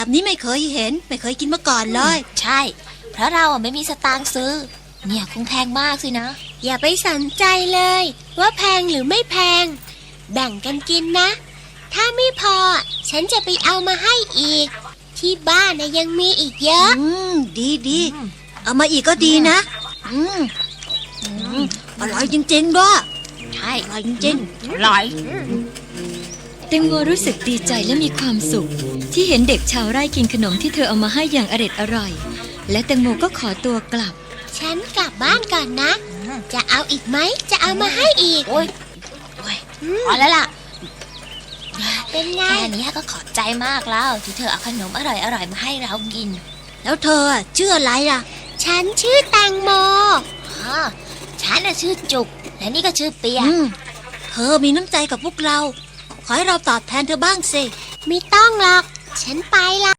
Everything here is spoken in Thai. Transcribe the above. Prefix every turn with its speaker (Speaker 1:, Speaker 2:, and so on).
Speaker 1: แบบนี้ไม่เคยเห็นไม่เคยกินมาก่อนเลย
Speaker 2: ใช่เพราะเราไม่มีสตางค์ซื้อเนี่ยคงแพงมากสินะ
Speaker 3: อย่าไปสนใจเลยว่าแพงหรือไม่แพงแบ่งกันกินนะถ้าไม่พอฉันจะไปเอามาให้อีกที่บ้านยังมีอีกเยอะ
Speaker 1: ดีเอามาอีกก็ดีนะอร่อยจริงๆด้วย
Speaker 2: ใช่
Speaker 1: อร่อยจริง
Speaker 2: อร่อย
Speaker 4: แตงโมรู้สึกดีใจและมีความสุขที่เห็นเด็กชาวไร่กินขนมที่เธอเอามาให้อย่างอร่อยและแตงโมก็ขอตัวกลับ
Speaker 3: ฉันกลับบ้านก่อนนะจะเอาอีกไหมจะเอามาให้อีก
Speaker 2: โอ้ยพอแล้วล่ะ
Speaker 3: เป็นไง
Speaker 2: แค่นี้ก็ขอบใจมากแล้วที่เธอเอาขนมอร่อยมาให้เรากิน
Speaker 1: แล้วเธอชื่ออะไรล่ะ
Speaker 3: ฉันชื่อแตงโม
Speaker 2: ฉันชื่อจุกและนี่ก็ชื่อเปีย
Speaker 1: เธอมีน้ำใจกับพวกเราขอให้เราตอบแทนเธอบ้างสิ
Speaker 3: ไม่ต้องหรอกฉันไปละ